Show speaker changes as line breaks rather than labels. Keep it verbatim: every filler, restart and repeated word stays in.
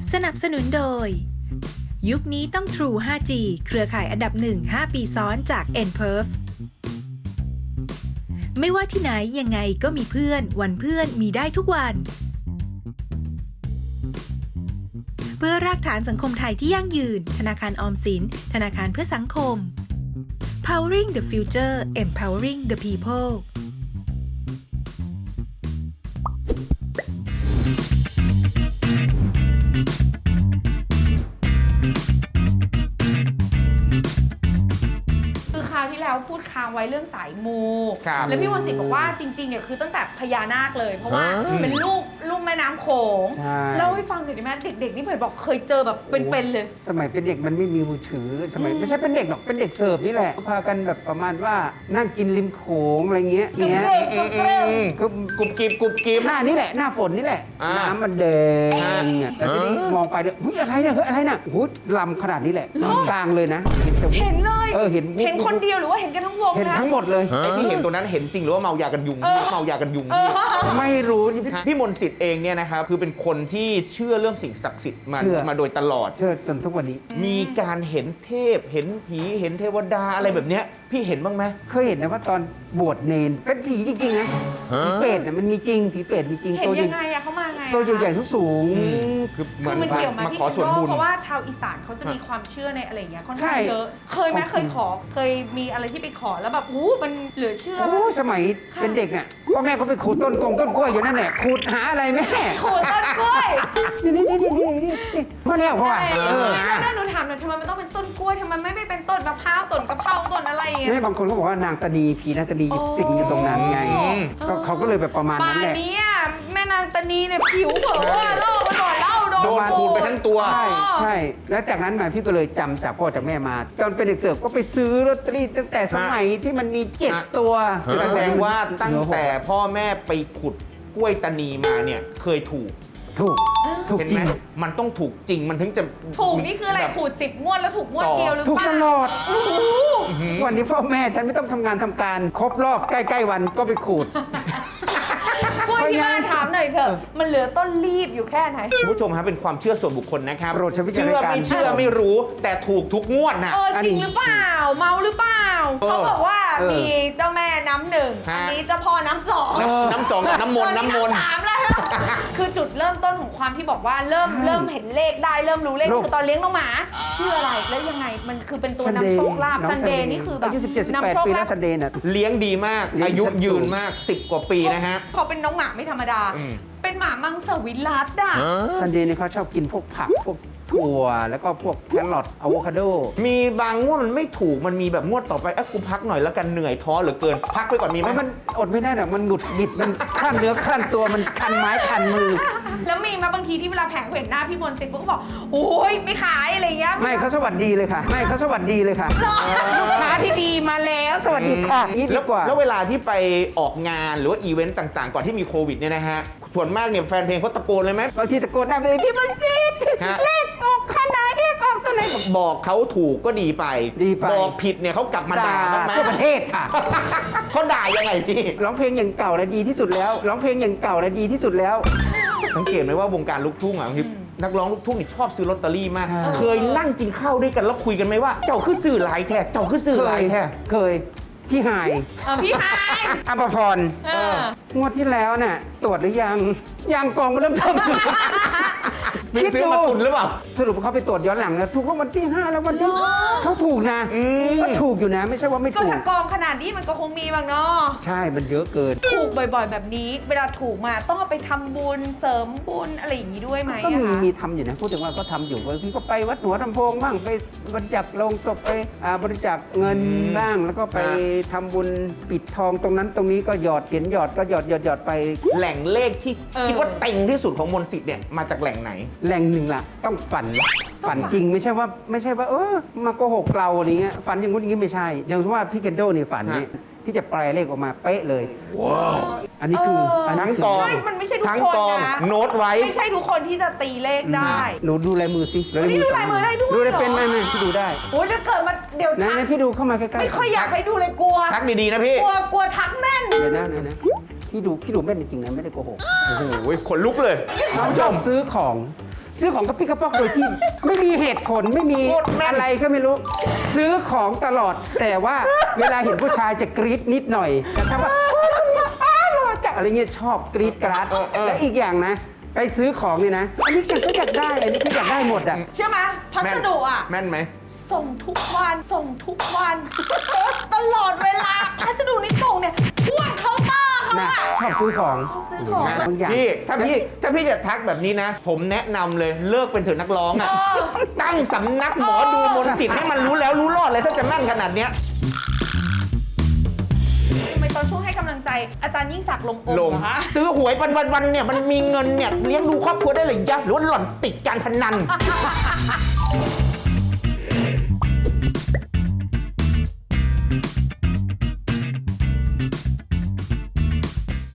สนับสนุนโดยยุคนี้ต้อง True ไฟว์ จี เครือข่ายอันดับหนึ่ง ห้า ปีซ้อนจาก เอ็น พี อี อาร์ วี ไม่ว่าที่ไหนยังไงก็มีเพื่อนวันเพื่อนมีได้ทุกวันเพื่อรากฐานสังคมไทยที่ยั่งยืนธนาคารออมสินธนาคารเพื่อสังคม Powering the Future Empowering the People
ที่แล้วพูดค้างไว้เรื่องสายมูแล้วพี่มนต์สิทธิ์บอกว่าจริงๆเนี่ยคือตั้งแต่พญานาคเลยเพราะว่าเป็นลูกลูกแม่น้ำโขงเล่าให้ฟังหน่อยได้ไหมเด็กๆนี่เผื่อบอกเคยเจอแบบเป็นๆเลย
สมัยเป็นเด็กมันไม่มีมือถือสมัยไม่ใช่เป็นเด็กหรอกเป็นเด็กเสิร์ฟนี่แหละพากันแบบประมาณว่านั่งกินริมโขงอะไรเงี้ยเงี้ย
กุบกุบกิบกุบกิบ
หน้านี่แหละหน้าฝนนี่แหละน้ำมันแดงเนี่ยแต่ทีนี้มองไปเนี่ยเฮ้ยอะไรเนี่ยเฮ้ยอะไรเนี่ยโอ้ยลำขนาดนี้แหละกลางเลยนะ
เห็นเลย
เออเห็น
เห็นคนเดียวหรือว่าเห็นกันทั้งวง
เห็นทั้งหมดเลย
ไอ้ที่เห็นตัวนั้นเห็นจริงหรือว่าเมายากันยุงเมายากันยุง
ไม่รู้
พี่มนต์สิทธิ์เองเนี่ยนะครับคือเป็นคนที่เชื่อเรื่องสิ่งศักดิ์สิทธิ์มามาโดยตลอด
เชื่อจนทุกวันนี้
มีการเห็นเทพเห็นผีเห็นเทวดาอะไรแบบเนี้ยพี่เห็นบ้างไหม
เคยเห็นนะว่าตอนบวชเนนเป็นผีจริงๆนะผีเปรตเนี่ยมันมีจริงผีเปรตมีจริง
เห็นยังไงอะเขามาไง
ตัวใหญ่ๆสูง
คือ
มันเกี่ยวมาพี่โดเพราะว่าชาวอีสานเขาจะมีความเชื่อในอะไรอย่างเงี้ยค่อนข้างเยอะเคยไหมเคยขอเคยมีอะไรที่ไปขอแล้วแบบอู้มันเหลือเชื่อ
โอ้สมัยเป็นเด็กอ่ะพ่อแม่เขาไปขูดต้นกงต้นกล้วยอยู่นั่นแหละขูดหาอะไรแม่
ขูดต้นกล้วย
นี่นี่นี่นี่นี่พ่อแล้วพ่อ
เออแล้วหนูถามหน่อยทำไมมันต้องเป็นต้นกล้วยทำไมไม่ไม่เป็นต้นมะพร้าวต้นกะเพราต้นอะไรอย่างเงี้ย
ไม่บางคนเขาบอกว่านางตานีผีนางตานีสิงอยู่ตรงนั้นไงก็เขาก็เลยแบบประมาณนั้นแหละ
ป่านนี้แม่นางตานีเนี่ยผิวเผลอเล่าไปหน่อยเล่าโดน
โดนขูดไปทั้งตัว
ใช่ใช่แล้วจากนั้นมาพี่ก็เลยจำจากพ่อจากแม่มาตอนเป็นเด็กเสิร์ฟก็ไปซื้อลอตเตอรี่ตั้งแต่สมัยที่มันมีเจ็ดตัว
แสดงว่าตั้งแต่พ่อแม่ไปขุดกล้วยตานีมาเนี่ยเคยถูก
ถูก
เห็นไหมมันต้องถูกจริงมันถึงจะ
ถูกนี่คืออะไรขูดสิบงวดแล้วถูกงวดเดียวหรือเปล่า
ถูกตลอดวันนี้พ่อแม่ฉันไม่ต้องทำงานทำการครบรอบใกล้ๆวันก็ไปขูด
กล้วยที่บ้านถามหน่อยเถอะมันเหลือต้นรีบอยู่แค่ไหน
คุณผู้ชมครับเป็นความเชื่อส่วนบุคคลนะครับ
โปรดใช้วิจาร
ณญาณไม่เชื่อไม่รู้แต่ถูกทุกงวดนะ
เออจริงหรือเปล่าเมาหรือเปล่าเขาบอกว่ามีเจ้าแม่น้ำหนึ่งอันนี้เจ้าพ่อน้ำสอง
น้ำสองกับน้ำมนต์น้ำมนต์
สามแล้วคือจุดเริ่มต้นของความที่บอกว่าเริ่มเริ่มเห็นเลขได้เริ่มรู้เลขคือตอนเลี้ยงน้องหมาชื่ออะไรแล้วยังไงมันคือเป็นตัวนำโชคลาภซันเดย์นี่คือแบบ
นำโชคลาภซันเดย์น่ะ
เลี้ยงดีมากอายุยืนมากสิบกว่าปีนะฮะ
เขาเป็นน้องหมาไม่ธรรมดาเป็นหมามังสวิรัติอ่ะ
ซันเดย์เนี่ยเขาชอบกินพวกผักพวกถั่วแล้วก็พวกแครอทอะโวคาโด
มีบางงวดมันไม่ถูกมันมีแบบงวดต่อไปเอ้กูพักหน่อยแล้วกันเหนื่อยท้อเหลือเกินพักไปก่อนมีไหม
มันอดไม่ได้หรอกมันหงุดหงิดมันขั้นเนื้อขั้นตัวมันคันไม้คันมือ
แล้วมีมาบางทีที่เวลาแผงเห็นหน้าพี่มนต์สิทธิ์ก็บอกโอ้ยไม่ขายอะไรเงี้ย
ไม่เขาสวัสดีเลยค่ะไม่เขาสวัสดีเลยค่ะลูกค้าที่ดีมาแล้วสวัสดีค่ะนี่ดีกว่า
แล้วเวลาที่ไปออกงานหรือว่าอีเวนต์ต่างๆก่อนที่มีโควิดเนี่ยนะฮะส่วนมากเนี่ยแฟนเพลงเขาตะโกนเลยไหม
บางทีตะโกนได้เลยพี่มนต์สิทธิ์เลขออกขนาดเลขออกตัวไหน
บอกเขาถูกก็ดีไป
ดีไป
บอกผิดเนี่ยเขากลับมาด่า
ทั่วประเทศค่ะ
เขาด่ายังไงพี่
ร้องเพลงอย่างเก่าและดีที่สุดแล้วร้องเพลงอย่างเก่าและดีที่สุดแล้ว
สังเกตไหมว่าวงการลูกทุ่งอ่ะนักร้องลูกทุ่งนี่ชอบซื้อลอตเตอรี่มากเคยนั่งกินข้าวด้วยกันแล้วคุยกันไหมว่าเจ้าคือสื่อหลายแท้เจ้าคือสื่อหลายแท้
เคยพี่หาย
พี่หาย
อภพรงวดที่แล้วน่ะตรวจหรือยังยังกองเริ่มเทิม
ซื้อมาตุนหรือเปล่า
สรุปเขาไปตรวจย้อนหลังนะถูกรางวัลที่ห้าแล้ววันนี้เขาถูกนะก็ถูกอยู่นะไม่ใช่ว่าไม่ถูก
ก็ถ้ากองขนาดนี้มันก็คงมีบ้างเนาะ
ใช่มันเยอะเกิน
ถูกบ่อยๆแบบนี้เวลาถูกมาต้องเอาไปทำบุญเสริมบุญอะไรอย่างนี้ด้วยไหม
ก็มีมีทำอยู่นะพูดถึงว่าก็ทำอยู่บางทีก็ไปวัดหัวลำโพงบ้างไปบริจาคโลงศพไปบริจาคเงินบ้างแล้วก็ไปทำบุญปิดทองตรงนั้นตรงนี้ก็หยอดเหรียญหยอดก็หยอดหยอดหยอดไป
แหล่งเลขที่คิดว่าเต็งที่สุดของมนต์สิทธิ์เนี่ยมาจากแหล่งไหน
แหล่งหนึ่งล่ะต้องฝันฝันจริงไม่ใช่ว่าไม่ใช่ว่าเออมาโกหกเราอะไรเงี้ยฝันอย่างงู้นอย่างงี้ไม่ใช่อย่างที่ว่าพี่เคนโดนี่ฝันนี่พี่จะแปลเลขออกมาเป๊ะเลยว้าวอันนี้คือ
ทั้งกอง
มันไม่ใช่ทุกคนนะ
โน้ตไว้
ไม่ใช่ทุกคนที่จะตีเลขได้
หนูดูลายมือสิ
นี่ดูลายมือได้ด้วย
ดูได้เป็นไหมไหมพี่ดูได้
โอ้ยจะเกิดมาเดี๋ยว
ทักพี่ดูเข้ามาใกล้ๆ
ไม่ค่อยอยากให้ดูเลยกลัว
ทักดีๆนะพี่
กลัวกลัวทักแม่น
เดี๋ยวนะเดี๋ยวนะพี่ดูพี่ดูแม่นจริงๆนะไม่ได้โกหก
โอ้โหขนลุกเลย
น้องชอบซื้อของซื้อของกระปิกระปอกโดยที่ ไม่มีเหตุผลไม่มี
โคตรแม่น
อะไรก็ไม่รู้ ซื้อของตลอด แต่ว่าเวลาเห็นผู้ชายจะกรี๊ดนิดหน่อยแต่ถ้าว่าโอ้ยคนนี้อ้าวหล่อจังอะไรเงี้ยชอบกรี๊ดกราดและอีกอย่างนะ ไปซื้อของนี่นะ อันนี้ฉันก็อยากได้อันนี้ก็อยากได้หมดอ่ะ
เชื่อไหมพัสดุอ่ะ
แม่นไหม
ส่งทุกวันส่งทุกวัน ตลอดเวลาพัสดุนี่ส่งเนี่ยพ่วงเคาน์เตอร์เขา
นะ
อะ
ชอบซื้อของ
ชอบซื้อของ
บางอย่าง
พี่ถ้าพี่ถ้าพี่จะทักแบบนี้นะ ผมแนะนำเลยเลิกเป็นเถอะนักร้องอ่ะ
เออ
ตั้งสำนักหมอดูมนต์จิตให้มันรู้แล้วรู้รอดเลยถ้าจะแม่นขนาดเนี้ย
ทำไมตอนช่วงให้กำลังใจอาจารย์ยิ่งศักดิ์ลงองค์
ลง
เหรอคะ
ซื้อหวยวันวันวันๆเนี่ยมันมีเงินเนี่ยเลี้ยงดูครอบครัวได้เลยยะหรือว่าหล่อนติดการพนัน